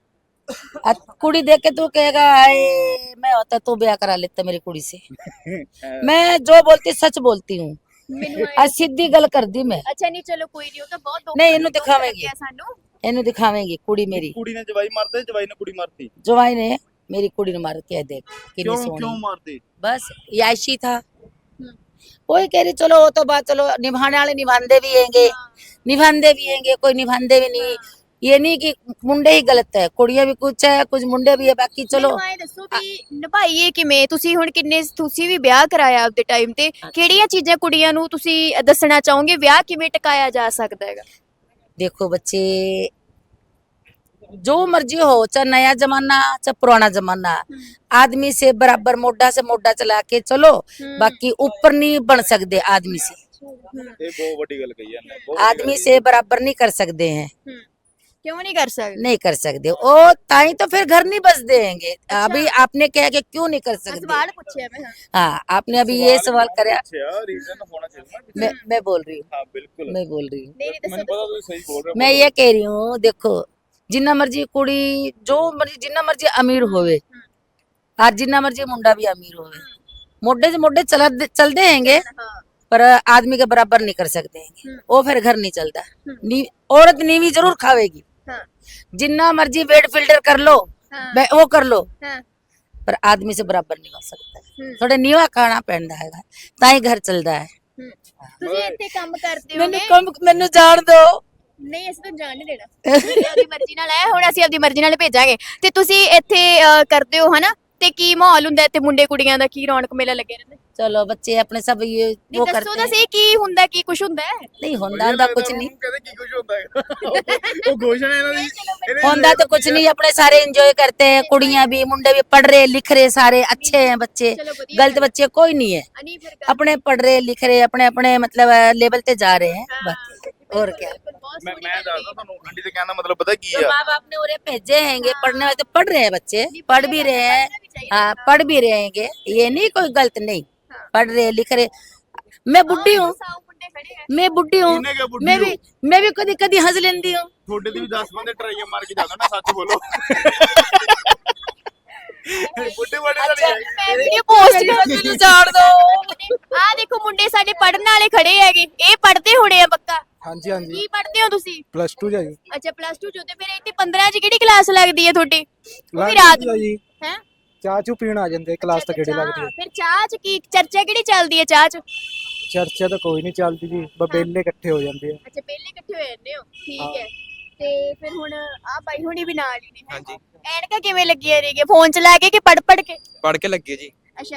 D: आ, कुड़ी देख के तू कहेगा हाय मैं होता तू ब्याह करा लेता मेरी कुड़ी से। मैं जो बोलती सच बोलती हूँ,
B: ਮੈਨੂੰ
D: आ सीधी गल कर दी मैं।
B: ਅੱਛਾ ਨਹੀਂ ਚਲੋ ਕੋਈ ਨਹੀਂ, ਉਹ ਤਾਂ ਬਹੁਤ ਦੁੱਖ
D: ਨਹੀਂ, ਇਹਨੂੰ
B: ਦੁੱਖ
D: ਦਿਖਾਵੇਂਗੀ।
B: ਲੱਗਿਆ ਸਾਨੂੰ।
D: इन्हें दिखावेंगी कुड़ी मेरी,
A: ਕੁੜੀ ਨੇ ਜਵਾਈ ਮਾਰਤੇ, ਜਵਾਈ ਨੇ ਕੁੜੀ ਮਾਰਤੀ।
D: जवाई ने मेरी कुड़ी ने मार के देख कितनी
A: ਕਿਉਂ ਕਿਉਂ
D: सोहनी।
A: ਮਾਰਤੀ?
D: बस ये ऐसी था, वही कह रही चलो वो तो बात, चलो निभाने वाले निभांदे भी हैंगे, निभांदे भी हैंगे, कोई निभांदे भी नहीं। ये नहीं कि मुंडे ही गलत है, कुड़ियां भी कुछ है, कुछ मुंडे भी है, बाकी चलो।
B: ਮੈਨੂੰ ਐਂ ਦੱਸੋ ਵੀ ਨਿਭਾਈਏ ਕਿਵੇਂ, ਤੁਸੀਂ ਹੁਣ ਕਿੰਨੇ ਤੁਸੀਂ ਵੀ ਵਿਆਹ ਕਰਾਇਆ ਆਪਦੇ ਟਾਈਮ ਤੇ, ਕਿਹੜੀਆਂ ਚੀਜ਼ਾਂ ਕੁੜੀਆਂ ਨੂੰ ਤੁਸੀਂ ਦੱਸਣਾ ਚਾਹੋਗੇ, ਵਿਆਹ ਕਿਵੇਂ ਟਿਕਾਇਆ ਜਾ ਸਕਦਾ ਹੈਗਾ।
D: देखो बच्चे, जो मर्जी हो, चाहे नया जमाना चाहे पुराना जमाना, आदमी से बराबर मोढा से मोढा चला के चलो, बाकी ऊपर नहीं बन सकते आदमी से,
A: ਇਹ ਬਹੁਤ ਵੱਡੀ ਗੱਲ ਕਹੀ ਇਹਨੇ, ਬਹੁਤ
D: आदमी से बराबर नहीं कर सकते हैं,
B: ਕਿਉਂ ਨਹੀਂ ਕਰ ਸਕਦੇ।
D: नहीं कर सकते। ओ ताई तो फिर घर नहीं बस देंगे। अभी आपने कहा कि क्यों नहीं कर सकते,
B: ਸਵਾਲ ਪੁੱਛਿਆ ਮੈਂ। ਹਾਂ।
D: हाँ आपने अभी ये सवाल कराया,
A: ਅੱਛਾ ਰੀਜ਼ਨ ਹੋਣਾ ਚਾਹੀਦਾ ਨਾ ਕਿਸੇ।
D: मैं मैं बोल रही हूँ,
A: ਹਾਂ ਬਿਲकुल,
D: मैं बोल रही हूँ,
B: ਨਹੀਂ ਨਹੀਂ
A: ਮੈਨੂੰ
B: ਦੱਸੋ
A: ਪਤਾ ਤੁਸੀਂ ਸਹੀ ਬੋਲ ਰਹੇ ਹੋ।
D: मैं ये कह रही हूँ, देखो जिन्ना मर्जी कुड़ी, जो मर्जी जिन्ना मर्जी अमीर होवे, आज जिन्ना मर्जी मुंडा भी अमीर होवे, मोढे से मोढे चला चलते हैंगे,
B: ਹਾਂ
D: पर आदमी के बराबर नहीं कर सकते हैं। वो फिर घर नहीं चलता। नी, औरत नीवी जरूर खावेगी,
B: ਹਾਂ
D: जिन्ना मर्जी वेट फिल्टर कर लो,
B: ਹਾਂ
D: वे- वो कर लो,
B: ਹਾਂ
D: पर आदमी से बराबर नहीं हो सकता। थोड़ा नीवा खाना पहनता है, ताई घर चलता है।
B: ਤੁਸੀਂ ਇੱਥੇ ਕੰਮ ਕਰਦੇ
D: मैंने
B: ਹੋਗੇ।
D: कम मैंने जान दो,
B: ਨਹੀਂ ਅਸੀਂ ਤਾਂ ਜਾਣ ਨਹੀਂ ਦੇਣਾ, ਤੁਸੀਂ ਆਪਦੀ ਮਰਜ਼ੀ ਨਾਲ ਆਏ, ਹੁਣ ਅਸੀਂ ਆਪਦੀ ਮਰਜ਼ੀ ਨਾਲ ਭੇਜਾਂਗੇ। ਤੇ ਤੁਸੀਂ ਇੱਥੇ ਅਹ, ਕਰਦੇ ਹੋ ਹਨਾ, ਤੇ ਕੀ ਮਾਹੌਲ ਹੁੰਦਾ ਇੱਥੇ, ਮੁੰਡੇ ਕੁੜੀਆਂ ਦਾ ਕੀ ਰੌਣਕ ਮੇਲਾ ਲੱਗਿਆ ਰਹਿੰਦਾ।
D: चलो बच्चे अपने सब ये
B: ਨਹੀਂ
D: वो
B: ਦੱਸੋ
D: करते
B: ਤਾਂ
D: हैं।
B: ਸਹੀ ਕੀ ਹੁੰਦਾ, ਕੀ ਕੁਝ ਹੁੰਦਾ ਹੈ।
D: नहीं होंदा होंदा कुछ नहीं,
A: ਕਹਿੰਦੇ ਕੀ ਕੁਝ ਹੁੰਦਾ ਹੈ, ਉਹ ਘੋਸ਼ਣਾ ਇਹਨਾਂ ਦੀ ਇਹਨੇ
D: होंदा तो कुछ नहीं, अपने सारे एंजॉय करते हैं, कुड़ियां भी मुंडे भी, पढ़ रहे लिख रहे सारे अच्छे हैं बच्चे,
B: ਚਲੋ ਵਧੀਆ
D: गलत बच्चे कोई नहीं है,
B: ਅਨੀ ਫਿਰ ਕਰ-
D: अपने पढ़ रहे लिख रहे अपने अपने मतलब लेवल पे जा रहे हैं बस, और क्या।
B: ਬਹੁਤ
A: ਮੈਂ
B: ਸੋਹਣੀ
A: ਮੈਂ
B: ਗੱਲ ਹੈ।
A: ਦੱਸਦਾ ਤੁਹਾਨੂੰ, ਆਂਟੀ ਦੇ ਕਹਿਣ ਦਾ ਮਤਲਬ ਪਤਾ ਕੀ
D: तो
A: ਆ।
D: माँ बाप ने उन्हें भेजे हैंगे पढ़ने वाले, तो पढ़ रहे हैं बच्चे, पढ़ भी रहे हैं,
B: पढ़ना भी चाहिए।
D: हाँ पढ़ भी रहेंगे, ये नहीं कोई गलत नहीं, पढ़ रहे लिख रहे। मैं बुढ़ी हूँ,
B: ਸਾਊ ਮੁੰਡੇ ਖੜੇ ਹੈ।
D: मैं बुढ़ी हूँ,
A: ਇਹਨੇ ਕਿਆ ਬੁੱਢੀ
D: मैं
A: ਹੋ?
D: भी मैं भी कभी कभी हंस लेती हूँ।
A: ਤੁਹਾਡੇ ਦੀ ਵੀ ਦਸ ਬੰਦੇ ਟਰਾਈਆਂ ਮਾਰ ਕੇ ਜਾਂਦਾ ਨਾ, ਸੱਚ ਬੋਲੋ। ਬੁੱਢੇ ਬੜੇ
B: ਅੱਛਾ
A: ਲੜੀ
B: ਮੈਂ ਵੀਡੀਓ ਪੋਸਟ ਕਰ
D: ਮੈਨੂੰ ਜਾਣ ਦੋ।
B: ਆ ਦੇਖੋ ਮੁੰਡੇ ਸਾਡੇ ਪੜਨ ਵਾਲੇ ਖੜੇ ਹੈਗੇ, ਇਹ ਪੜਦੇ ਹੋਣੇ ਆ ਪੱਕਾ।
E: ਹਾਂਜੀ ਹਾਂਜੀ
B: ਕੀ ਪੜਦੇ ਹੋ ਤੁਸੀਂ?
E: ਪਲੱਸ ਟੂ ਜਾ ਜੀ
B: ਅੱਛਾ ਪਲੱਸ ਟੂ ਚ ਹੋ ਤੇ ਫਿਰ ਇੱਥੇ ਪੰਦਰਾਂ ਚ ਕਿਹੜੀ ਕਲਾਸ ਲੱਗਦੀ ਹੈ ਤੁਹਾਡੀ? ਉਹ ਵੀ
E: ਲੱਗਦੀ
B: ਰਾਤ
E: ਆ ਜੀ
B: ਹੈ
E: ਚਾਹ ਚੂ ਪੀਣ ਆ ਜਾਂਦੇ ਕਲਾਸ ਤਾਂ ਕਿਹੜੇ
B: ਚਾਹ,
E: ਲੱਗਦੀ ਹੈ।
B: ਫਿਰ ਚਾਹ ਚ ਕੀ ਚਰਚਾ ਕਿਹੜੀ ਚੱਲਦੀ ਹੈ ਚਾਹ ਚ?
E: ਚਰਚਾ ਤਾਂ ਕੋਈ ਨਹੀਂ ਚੱਲਦੀ ਜੀ ਬਬੇਲੇ ਇਕੱਠੇ ਹੋ ਜਾਂਦੇ ਆ।
B: ਅੱਛਾ ਪਹਿਲੇ ਇਕੱਠੇ ਹੋ ਜਾਂਦੇ ਹੋ, ਠੀਕ ਹੈ। ਤੇ ਫਿਰ ਹੁਣ ਆ ਬਾਈ ਹੁਣੀ ਵੀ ਨਾਲ ਹੀ ਨੇ ਹੈਂ?
F: ਹਾਂਜੀ
B: ਐਨਕਾਂ ਕਿਵੇਂ ਲੱਗੀਆਂ ਰਹੀਆਂ, ਫੋਨ ਚਲਾ ਕੇ ਕਿ ਪੜ ਪੜ ਕੇ?
F: ਪੜ ਕੇ ਲੱਗੇ ਜੀ।
B: ਅੱਛਾ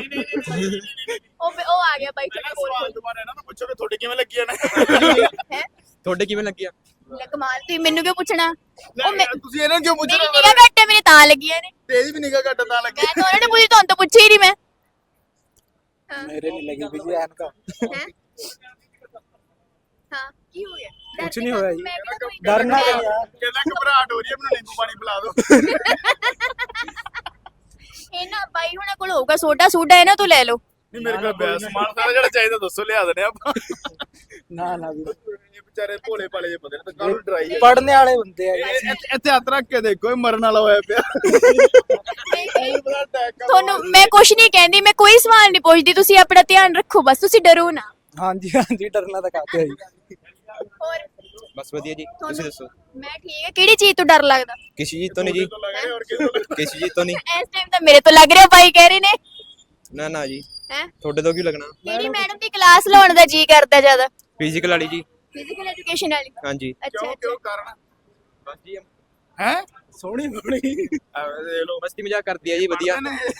B: ਉਹ ਉਹ ਆ ਗਿਆ ਬਾਈ ਤੁਹਾਡੇ ਕੋਲ
A: ਸਵਾਲ ਦੁਬਾਰਾ ਇਹਨਾਂ ਨੂੰ ਪੁੱਛੋ ਕਿ ਤੁਹਾਡੇ ਕਿਵੇਂ ਲੱਗੀਆਂ ਨੇ
B: ਹੈ।
F: ਤੁਹਾਡੇ ਕਿਵੇਂ ਲੱਗਿਆ?
B: ਲੈ ਕਮਾਲ, ਤੁਸੀਂ ਮੈਨੂੰ ਕਿਉਂ ਪੁੱਛਣਾ? ਉਹ ਮੈਂ-
A: ਤੁਸੀਂ ਇਹਨਾਂ ਨੂੰ ਕਿਉਂ ਪੁੱਛ
B: ਮੇਰੀ
A: ਰਹੇ
B: ਨਿਗਾਹ ਘੱਟ ਹੈ, ਮੇਰੇ ਤਾਂ ਲੱਗੀਆਂ ਨੇ।
A: ਤੇਜ਼ ਵੀ ਨਿਗਾਹ ਘੱਟ ਤਾਂ ਲੱਗੀ
B: ਮੈਂ ਤਾਂ ਉਹਨਾਂ ਨੇ ਪੁੱਛੀ, ਤੁਹਾਨੂੰ ਤਾਂ ਪੁੱਛੀ ਹੀ ਨਹੀਂ ਮੈਂ। ਹਾਂ
E: ਮੇਰੇ ਨਹੀਂ ਲੱਗੀ ਵੀ ਜੀ ਐਨਕਾਂ।
B: ਹੈਂ? ਹਾਂ ਕੀ ਹੋ ਗਿਆ?
E: ਕੁਛ ਨਹੀਂ ਹੋਇਆ ਜੀ।
B: ਮੈਂ ਕਿਹਾ ਕੋਈ
E: ਡਰਨਾ
B: ਮੈਂ-
E: ਨਹੀਂ ਯਾਰ।
A: ਕਹਿੰਦਾ ਘਬਰਾਹਟ ਹੋ ਰਹੀ ਹੈ, ਮੈਨੂੰ ਨਿੰਬੂ ਪਾਣੀ ਪਿਲਾ ਦਿਓ।
B: ਇਹਨਾਂ ਬਾਈ ਹੁਣਾਂ ਕੋਲ ਹੋਊਗਾ ਸੋਡਾ ਸੂਡਾ, ਇਹਨਾਂ ਤੋਂ ਲੈ ਲਓ।
A: ਨਹੀਂ ਮੇਰੇ ਕੋਲ ਪਿਆ ਸਮਾਨ ਸਾਰਾ ਜਿਹੜਾ ਚਾਹੀਦਾ ਦੱਸੋ, ਲਿਆ ਦਨੇ ਆਪਾਂ।
E: ਨਾ ਨਾ ਵੀ
A: ਇਹ ਵਿਚਾਰੇ ਭੋਲੇ ਭਾਲੇ ਜਿਹੇ ਬੰਦੇ ਨੇ ਤਾਂ ਕਾਹਨੂੰ ਡਰਾਈ ਹੈ।
E: ਪੜਨੇ ਵਾਲੇ ਹੁੰਦੇ ਆ ਜੀ।
A: ਇਹ- ਇੱਥੇ- ਇੱਥੇ ਹੱਥ ਰੱਖ ਕੇ ਦੇਖੋ, ਇਹ ਮਰਨ ਵਾਲਾ ਹੋਇਆ ਪਿਆ।
B: ਤੁਹਾਨੂੰ ਮੈਂ ਕੁਛ ਨਹੀਂ ਕਹਿੰਦੀ, ਮੈਂ ਕੋਈ ਸਵਾਲ ਨਹੀਂ ਪੁੱਛਦੀ, ਤੁਸੀਂ ਆਪਣਾ ਧਿਆਨ ਰੱਖੋ ਬਸ, ਤੁਸੀਂ ਡਰੋ ਨਾ।
E: ਹਾਂਜੀ ਹਾਂਜੀ ਡਰਨਾ ਤਾਂ ਕਾਹਤੇ ਆ ਜੀ।
B: ਹੋਰ
F: ਬਸ ਵਧੀਆ ਜੀ, ਤੁਸੀਂ ਦੱਸੋ।
B: ਮੈਂ ਠੀਕ ਹੈ, ਕਿਹੜੀ ਚੀਜ਼ ਤੋਂ ਡਰ ਲੱਗਦਾ?
F: ਕਿਸੇ ਚੀਜ਼ ਤੋਂ ਨਹੀਂ ਜੀ, ਕਿਸੇ ਚੀਜ਼ ਤੋਂ ਨਹੀਂ।
B: ਇਸ ਟਾਈਮ ਤਾਂ ਮੇਰੇ ਤੋਂ ਲੱਗ ਰਿਹਾ, ਬਾਈ ਕਹਿ ਰਹੇ ਨੇ।
F: ਨਾ ਨਾ ਜੀ,
B: ਹੈ
F: ਤੁਹਾਡੇ ਤੋਂ ਕੀ ਲੱਗਣਾ?
B: ਕਿਹੜੀ ਮੈਡਮ ਦੀ ਕਲਾਸ ਲਾਉਣ ਦਾ ਜੀ ਕਰਦਾ ਜ਼ਿਆਦਾ?
F: ਫਿਜ਼ੀਕਲ ਵਾਲੀ ਜੀ।
B: ਫਿਜ਼ੀਕਲ ਐਜੂਕੇਸ਼ਨ ਵਾਲੀ।
F: ਹਾਂਜੀ।
B: ਅੱਛਾ
A: ਕਿਉਂ
B: ਅੱਛਾ
A: ਕਿਉਂ ਕਾਰਨ
F: ਬਸ ਜੀ
A: ਹੈ?
E: ਸੋਹਣੀ ਬਣੀ।
A: ਐਵੇਂ ਦੇਖ ਲਓ,
F: ਮਸਤੀ ਮਜ਼ਾਕ ਕਰਦੀ ਹੈ ਜੀ, ਵਧੀਆ।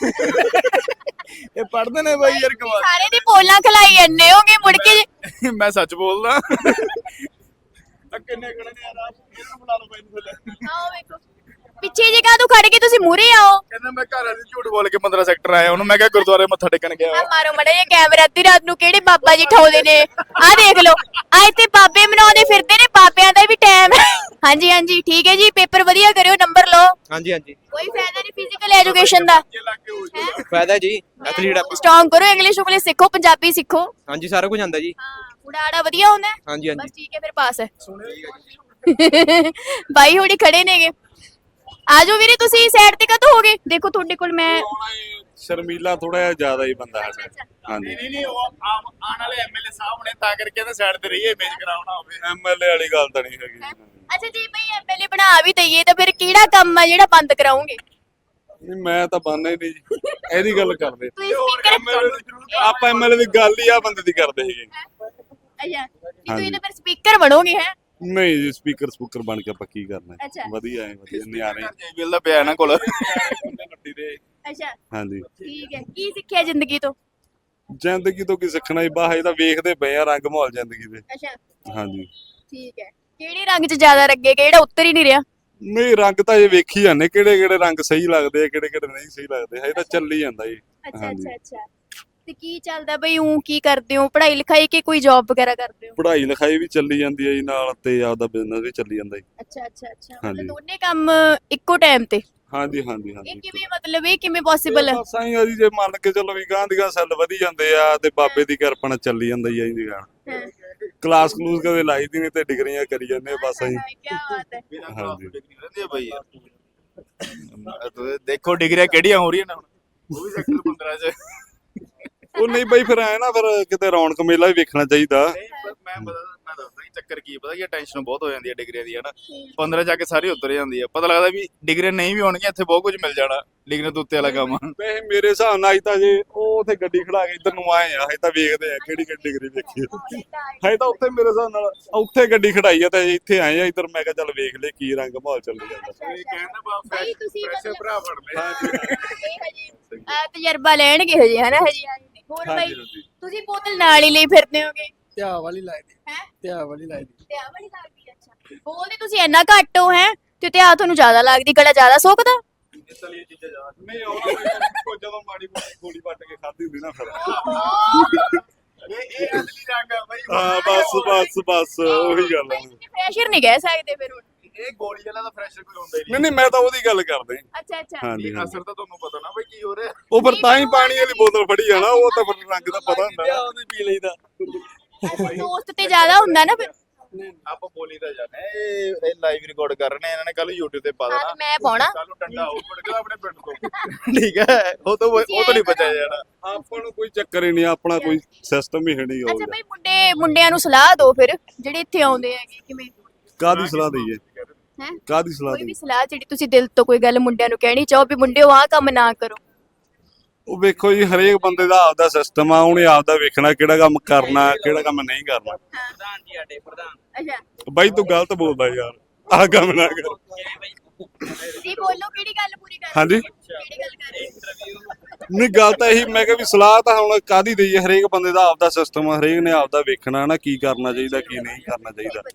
A: ਇਹ ਪੜਦੇ ਨੇ ਬਾਈ ਯਾਰ ਕਮਾਲ।
B: ਸਾਰੇ ਦੀ ਪੋਲਾਂ ਖਲਾਈ ਜਾਂਦੇ ਹੋਗੇ ਮੁੜ ਕੇ ਜੇ-
A: ਮੈਂ ਸੱਚ ਬੋਲਦਾ। ਆ ਕਿੰਨੇ ਖੜੇ ਨੇ ਯਾਰ, ਆਪ ਇਹਨਾਂ ਨੂੰ ਬੁਲਾ ਲਓ ਬਾਈ ਨੂੰ ਥੱਲੇ।
B: ਆਓ ਵੇਖੋ ਪਿੱਛੇ ਜੇ ਕਾਹਤੋਂ ਖੜ ਕੇ, ਤੁਸੀਂ ਮੂਹਰੇ ਆਓ।
A: ਕਹਿੰਦਾ ਮੈਂ ਘਰ ਵਾਲੀ ਝੂਠ ਬੋਲ ਕੇ ਪੰਦਰਾਂ ਸੈਕਟਰ ਆਇਆ, ਉਹਨੂੰ ਮੈਂ ਕਿਹਾ ਗੁਰਦੁਆਰੇ ਮੱਥਾ ਟੇਕਣ ਗਿਆ।
B: ਆ ਮਾਰੋ ਮੜਾ ਇਹ ਕੈਮਰਾ, ਅੱਧੀ ਰਾਤ ਨੂੰ ਕਿਹੜੇ ਬਾਬਾ ਜੀ ਠਾਉਂਦੇ ਨੇ, ਆ ਦੇਖ ਲਓ। ਆ ਇੱਥੇ ਬਾਬੇ ਮਨਾਉਂਦੇ ਫਿਰਦੇ ਨੇ, ਬਾਬਿਆਂ ਦਾ ਵੀ ਟਾਈਮ ਹੈ। ਹਾਂਜੀ ਹਾਂਜੀ ਠੀਕ ਹੈ ਜੀ, ਪੇਪਰ ਵਧੀਆ ਕਰਿਓ, ਨੰਬਰ ਲਓ।
F: ਹਾਂਜੀ ਹਾਂਜੀ,
B: ਕੋਈ ਫਾਇਦਾ ਨਹੀਂ ਫਿਜ਼ੀਕਲ ਐਜੂਕੇਸ਼ਨ ਦਾ।
A: ਜੇ ਲੱਗ ਕੇ ਹੋ ਜਾਊਗਾ।
F: ਫਾਇਦਾ ਜੀ, ਐਥਲੀਟ ਆਪਾਂ।
B: ਸਟਰੋਂਗ ਕਰੋ, ਇੰਗਲਿਸ਼ ਉਗਲਿਸ਼ ਸਿੱਖੋ, ਪੰਜਾਬੀ ਸਿੱਖੋ।
F: ਹਾਂਜੀ ਸਾਰਾ ਕੁਝ ਆਉਂਦਾ ਜੀ।
B: ਹਾਂ ਉਡਾੜਾ ਵਧੀਆ ਹੁੰਦਾ ਹੈ।
F: ਹਾਂਜੀ
B: ਬਸ
F: ਹਾਂਜੀ।
B: ਠੀਕ ਹੈ, ਫਿਰ ਪਾਸ ਹੈ। ਬਾਈ ਹੋੜੀ ਖੜੇ ਨੇਗੇ, ਆਜੋ ਵੀਰੇ ਤੁਸੀਂ ਸਾਈਡ ਤੇ ਕਦੋਂ ਹੋਗੇ? ਦੇਖੋ ਤੁਹਾਡੇ ਕੋਲ ਮੈਂ
G: ਸ਼ਰਮੀਲਾ ਥੋੜਾ ਜਿਹਾ ਜ਼ਿਆਦਾ ਹੀ ਬੰਦਾ ਹੈ ਸਰ। ਹਾਂਜੀ
A: ਨਹੀਂ ਨਹੀਂ ਨਹੀਂ, ਉਹ ਆਮ ਆਉਣ ਵਾਲੇ ਐਮਐਲਏ ਸਾਹਿਬ ਨੇ, ਤਾਂ ਕਰਕੇ ਇਹਦਾ ਸਾਈਡ ਤੇ ਰਹੀਏ, ਇਮੇਜ ਕਰਾਉਣਾ ਹੋਵੇ।
G: ਐਮਐਲਏ ਵਾਲੀ ਗੱਲ ਤਾਂ ਨਹੀਂ ਹੈਗੀ।
B: ਅੱਛਾ ਜੀ ਬਈ ਐਮਐਲਏ ਬਣਾ ਵੀ ਦਈਏ ਤਾਂ ਫਿਰ ਕਿਹੜਾ ਕੰਮ ਆ ਜਿਹੜਾ ਬੰਦ ਕਰਾਉਂਗੇ?
G: ਨਹੀਂ ਮੈਂ ਤਾਂ ਬੰਨਾ ਹੀ ਨਹੀਂ ਜੀ, ਇਹਦੀ ਗੱਲ ਕਰਦੇ
B: ਤੁਸੀਂ ਸਪੀਕਰ
G: ਆਪਾਂ ਐਮਐਲਏ ਦੀ ਗੱਲ ਹੀ ਆ ਬੰਦੇ ਦੀ ਕਰਦੇ ਹੈਗੇ।
B: ਅੱਛਾ ਤੁਸੀਂ ਤਾਂ ਫਿਰ ਸਪੀਕਰ ਬਣੋਗੇ ਹੈ?
G: ਨਹੀਂ ਜੀ, ਸਪੀਕਰ ਸਪੂਕਰ ਬਣ ਕੇ ਆਪਾਂ ਕੀ ਕਰਨਾ
B: ਅੱਛਾ।
G: ਹੈ? ਵਧੀਆ ਹੈ, ਵਧੀਆ ਨਿਆਣੇ
A: ਬਿੱਲ ਦਾ ਪਿਆ ਇਹਨਾਂ ਕੋਲ।
G: ਗੱਡੀ ਦੇ।
B: ਅੱਛਾ
G: ਹਾਂਜੀ,
B: ਠੀਕ ਹੈ, ਕੀ ਸਿੱਖਿਆ ਜ਼ਿੰਦਗੀ ਤੋਂ?
G: ਜ਼ਿੰਦਗੀ ਤੋਂ ਕੀ ਸਿੱਖਣਾ ਜੀ, ਬਾਹਰ ਤਾਂ ਵੇਖਦੇ ਪਏ ਆ ਰੰਗ ਮਾਹੌਲ ਜ਼ਿੰਦਗੀ ਦੇ।
B: ਅੱਛਾ
G: ਹਾਂਜੀ,
B: ਠੀਕ ਹੈ, ਕਿਹੜੇ ਰੰਗ 'ਚ ਜ਼ਿਆਦਾ ਲੱਗੇ, ਕਿਹੜਾ ਉੱਤਰ ਹੀ ਨਹੀਂ ਰਿਹਾ?
G: ਨਹੀਂ ਰੰਗ ਤਾਂ ਇਹ ਵੇਖੀ ਜਾਂਦੇ ਕਿਹੜੇ ਕਿਹੜੇ ਰੰਗ ਸਹੀ ਲੱਗਦੇ ਆ, ਕਿਹੜੇ ਕਿਹੜੇ ਨਹੀਂ ਸਹੀ ਲੱਗਦੇ, ਹਜੇ ਤਾਂ ਚੱਲੀ ਜਾਂਦਾ ਜੀ।
B: ਅੱਛਾ
G: ਹਾਂਜੀ।
B: ਅੱਛਾ ਅੱਛਾ ਤੇ ਕੀ ਚੱਲਦਾ ਬਈ, ਉਹ ਕੀ ਕਰਦੇ ਹੋ, ਪੜ੍ਹਾਈ ਲਿਖਾਈ ਕਿ ਕੋਈ ਜੌਬ ਵਗੈਰਾ ਕਰਦੇ ਹੋ?
G: ਪੜ੍ਹਾਈ ਲਿਖਾਈ ਵੀ ਚੱਲੀ ਜਾਂਦੀ ਹੈ ਜੀ ਨਾਲ, ਤੇ ਆਪਦਾ ਬਿਜ਼ਨਸ ਵੀ ਚੱਲੀ ਜਾਂਦਾ ਜੀ।
B: ਅੱਛਾ ਅੱਛਾ ਅੱਛਾ
G: ਹਾਂਜੀ।
B: ਮਤਲਬ ਦੋਨੇ ਕੰਮ ਇੱਕੋ ਟਾਈਮ ਤੇ?
G: ਹਾਂਜੀ ਹਾਂਜੀ
B: ਇਹ
G: ਹਾਂਜੀ।
B: ਕਿਵੇਂ, ਮਤਲਬ ਇਹ ਕਿਵੇਂ ਪੋਸੀਬਲ ਹੈ?
G: ਬਸ ਆਈ ਆ ਜੀ, ਜੇ ਮੰਨ ਕੇ ਚੱਲੋ ਵੀ ਗਾਂ ਦੀ ਗਾਂ ਸੈੱਲ ਵਧੀ ਜਾਂਦੇ ਆ, ਤੇ ਬਾਬੇ ਦੀ ਕਿਰਪਾ ਨਾਲ ਚੱਲੀ ਜਾਂਦਾ ਜੀ ਜੀ ਗਾਂ।
B: ਹਾਂ
G: ਕਲਾਸ ਕਲੂਸ ਕਦੇ ਲਾਈ ਦੀ ਨਹੀਂ, ਤੇ ਡਿਗਰੀਆਂ ਕਰੀ ਜਾਂਦੇ ਆ ਬਸ ਅਸੀਂ।
B: ਕੀ ਬਾਤ ਹੈ।
G: ਹਾਂਜੀ।
A: ਰਹਿੰਦੇ ਆ ਬਾਈ ਯਾਰ। ਦੇਖੋ ਡਿਗਰੀਆਂ ਕਿਹੜੀਆਂ ਹੋ ਰਹੀਆਂ ਨੇ ਹੁਣ, ਉਹ ਵੀ ਸੈਕਟਰ ਪੰਦਰਾਂ ਚ।
G: ਉਹ ਨਹੀਂ ਬਈ, ਫਿਰ ਐ ਨਾ, ਫਿਰ ਕਿਤੇ ਰੌਣਕ ਮੇਲਾ ਵੀ ਵੇਖਣਾ ਚਾਹੀਦਾ।
A: ਨਹੀਂ, ਪਰ ਮੈਂ ਪਤਾ ਮੈਂ ਦੱਸਦਾ ਜੀ ਚੱਕਰ ਕੀ ਪਤਾ ਕੀ ਟੈਨਸ਼ਨ ਬਹੁਤ ਹੋ ਜਾਂਦੀ ਹੈ ਡਿਗਰੀਆਂ ਦੀ, ਹਨਾ। ਪੰਦਰਾਂ ਜਾ ਕੇ ਸਾਰੀ ਉਤਰ ਜਾਂਦੀ ਹੈ, ਪਤਾ ਲੱਗਦਾ ਵੀ ਡਿਗਰੀਆਂ ਨਹੀਂ ਵੀ ਹੋਣਗੀਆਂ, ਇੱਥੇ ਬਹੁਤ ਕੁਝ ਮਿਲ ਜਾਣਾ ਡਿਗਰੀਆਂ ਤੋਂ ਉੱਤੇ ਵਾਲਾ ਕੰਮ।
G: ਵੈਸੇ ਮੇਰੇ ਹਿਸਾਬ ਨਾਲ ਅਜ ਤਾਂ ਜੇ ਉਹ ਉੱਥੇ ਗੱਡੀ ਖੜਾ ਕੇ ਇੱਧਰ ਨੂੰ ਆਏ ਆ, ਹਜੇ ਤਾਂ ਵੇਖਦੇ ਆ ਕਿਹੜੀ ਕਿਹੜੀ ਡਿਗਰੀ ਵੇਖੀ ਆ। ਹਜੇ ਤਾਂ ਉੱਥੇ ਮੇਰੇ ਹਿਸਾਬ ਨਾਲ ਉੱਥੇ ਗੱਡੀ ਖੜਾਈ ਆ, ਤੇ ਇੱਥੇ ਆਏ ਆ ਇੱਧਰ, ਮੈਂ ਕਿਹਾ ਚੱਲ ਵੇਖ ਲੈ ਕੀ ਰੰਗ ਮਾਹੌਲ ਚੱਲੀ ਜਾਂਦਾ।
A: ਇਹ ਕਹਿੰਦਾ ਬਾ
B: ਬਾਈ ਤੁਸੀਂ
A: ਫਰੈਸ਼
B: ਮਤਲਬ
A: ਭਰਾ ਫੜ ਲੈ।
B: ਇਹ ਹਜੇ ਆ ਤਜਰਬਾ ਲੈਣਗੇ ਹਜੇ, ਹਨਾ ਹਜੇ ਆਏ ਨੇ। ਹੋਰ ਬਾਈ
G: ਹਾਂਜੀ ਹਾਂਜੀ।
B: ਤੁਸੀਂ ਬੋਤਲ ਨਾਲ ਹੀ ਲਈ ਫਿਰਦੇ ਹੋਗੇ
E: ਧਿਆ ਵਾਲੀ ਲਾਈ
B: ਹੈ?
E: ਧਿਆ ਵਾਲੀ ਲਾਈ
B: ਤੇ ਆ ਵਾਲੀ ਲੱਗਦੀ, ਅੱਛਾ ਬੋਲਦੇ ਤੁਸੀਂ ਇੰਨਾ ਘੱਟ ਹੋ ਹੈ, ਤੇ ਤੇ ਆ ਤੁਹਾਨੂੰ ਜ਼ਿਆਦਾ ਲੱਗਦੀ, ਗਲਾ ਜ਼ਿਆਦਾ ਸੁੱਕਦਾ?
A: ਇਸ ਲਈ ਇਹ ਚੀਜ਼ਾਂ ਜ਼ਿਆਦਾ
G: ਨਹੀਂ ਆਉਣਾ ਜਦੋਂ ਮਾੜੀ ਮੋਟੀ ਗੋਲੀ ਵੱਟ ਕੇ ਖਾਧੀ ਹੁੰਦੀ ਨਾ, ਫਿਰ
A: ਇਹ ਇਹ ਅਸਲੀ ਰੰਗ ਆ ਬਾਈ।
G: ਹਾਂ ਬਸ ਬਸ ਬਸ ਉਹੀ ਗੱਲ ਆ।
B: ਪ੍ਰੈਸ਼ਰ ਨਹੀਂ ਕਹਿ ਸਕਦੇ ਫਿਰ ਹੁਣ।
A: ਇਹ ਗੋਲੀ ਵਾਲਾ ਦਾ ਫਰੈਸ਼ਰ ਕੋਈ ਹੁੰਦਾ ਹੀ
G: ਨਹੀਂ ਨਹੀਂ, ਮੈਂ ਤਾਂ ਉਹਦੀ ਗੱਲ ਕਰਦੇ।
B: ਅੱਛਾ ਅੱਛਾ
G: ਹਾਂਜੀ
A: ਨਹੀਂ।
G: ਹਾਂਜੀ।
A: ਅਸਰ ਤਾਂ ਤੁਹਾਨੂੰ ਪਤਾ ਨਾ ਬਾਈ ਕੀ ਹੋ ਰਿਹਾ।
G: ਉਹ ਫਿਰ ਤਾਂ ਹੀ ਪਾਣੀ ਵਾਲੀ ਬੋਤਲ ਫੜੀ ਆ ਨਾ, ਉਹ ਤਾਂ ਫਿਰ ਰੰਗ ਦਾ ਪਤਾ ਹੁੰਦਾ।
E: ਉਹਦੀ ਪੀ ਲਈਦਾ।
B: ਅੱਛਾ, ਦੋਸਤ ਤੇ ਜ਼ਿਆਦਾ ਹੁੰਦਾ ਨਾ ਫਿਰ।
A: ਆਪਾਂ ਬੋਲੀ ਤਾਂ ਜਾਣੇ, ਇਹ ਇਹ ਲਾਈਵ ਰਿਕਾਰਡ ਕਰ ਰਹੇ ਨੇ, ਇਹਨਾਂ ਨੇ ਕੱਲ YouTube ਤੇ ਪਾ
B: ਹਾਂ
A: ਦੇਣਾ।
B: ਤੇ ਮੈਂ ਪਾਉਣਾ।
A: ਕੱਲ ਨੂੰ ਡੰਡਾ ਹੋ ਪੜੇਗਾ ਆਪਣੇ ਪਿੰਡ ਤੋਂ। ਠੀਕ ਹੈ, ਉਹ ਤੋਂ ਉਹ ਤੋਂ ਨਹੀਂ ਬਚਿਆ ਜਾਣਾ।
G: ਆਪਾਂ ਨੂੰ ਕੋਈ ਚੱਕਰ ਹੀ ਨਹੀਂ, ਆਪਣਾ ਕੋਈ ਸਿਸਟਮ ਹੀ ਹੈ ਨਹੀਂ
B: ਅੱਛਾ
G: ਹੋਊਗਾ।
B: ਬਈ ਮੁੰਡੇ ਮੁੰਡਿਆਂ ਨੂੰ ਸਲਾਹ ਦਿਓ ਫਿਰ, ਜਿਹੜੇ ਇੱਥੇ ਆਉਂਦੇ ਹੈਗੇ, ਕਿਵੇਂ?
G: ਕਾਹਦੀ ਸਲਾਹ ਦਈਏ?
B: ਹੈ
G: ਕਾਹਦੀ ਸਲਾਹ
B: ਕੋਈ ਵੀ
G: ਦੇਣੀ
B: ਸਲਾਹ ਜਿਹੜੀ ਤੁਸੀਂ ਦਿਲ ਤੋਂ ਕੋਈ ਗੱਲ ਮੁੰਡਿਆਂ ਨੂੰ ਕਹਿਣੀ ਚਾਹੋ ਵੀ ਮੁੰਡਿਓ ਆਹ ਕੰਮ ਨਾ ਕਰੋ।
G: ਉਹ ਵੇਖੋ ਜੀ ਹਰੇਕ ਬੰਦੇ ਦਾ ਆਪਦਾ ਸਿਸਟਮ ਆ ਉਹਨੇ ਆਪਦਾ ਵੇਖਣਾ ਕਿਹੜਾ ਕੰਮ ਕਰਨਾ ਕਿਹੜਾ ਕੰਮ ਨਹੀਂ ਕਰਨਾ
F: ਪ੍ਰਧਾਨ ਜੀ ਸਾਡੇ ਪ੍ਰਧਾਨ
B: ਅੱਛਾ
G: ਬਾਈ ਤੂੰ ਗਲਤ ਬੋਲਦਾ ਯਾਰ ਆਹ ਕੰਮ ਨਾ ਕਰ
B: ਜੀ ਬੋਲੋ ਕਿਹੜੀ ਗੱਲ ਪੂਰੀ ਕਰ
G: ਹਾਂਜੀ
B: ਕਿਹੜੀ ਗੱਲ ਕਰ ਰਹੇ ਹੋ?
G: ਨਹੀਂ ਗੱਲ ਤਾਂ ਇਹੀ ਮੈਂ ਕਿਹਾ ਵੀ ਸਲਾਹ ਤਾਂ ਹੁਣ ਕਾਹਦੀ ਦਈਏ ਹਰੇਕ ਬੰਦੇ ਦਾ ਆਪਦਾ ਸਿਸਟਮ ਆ ਹਰੇਕ ਨੇ ਆਪਦਾ ਵੇਖਣਾ ਨਾ ਕੀ ਕਰਨਾ ਚਾਹੀਦਾ ਕੀ ਨਹੀਂ ਕਰਨਾ ਚਾਹੀਦਾ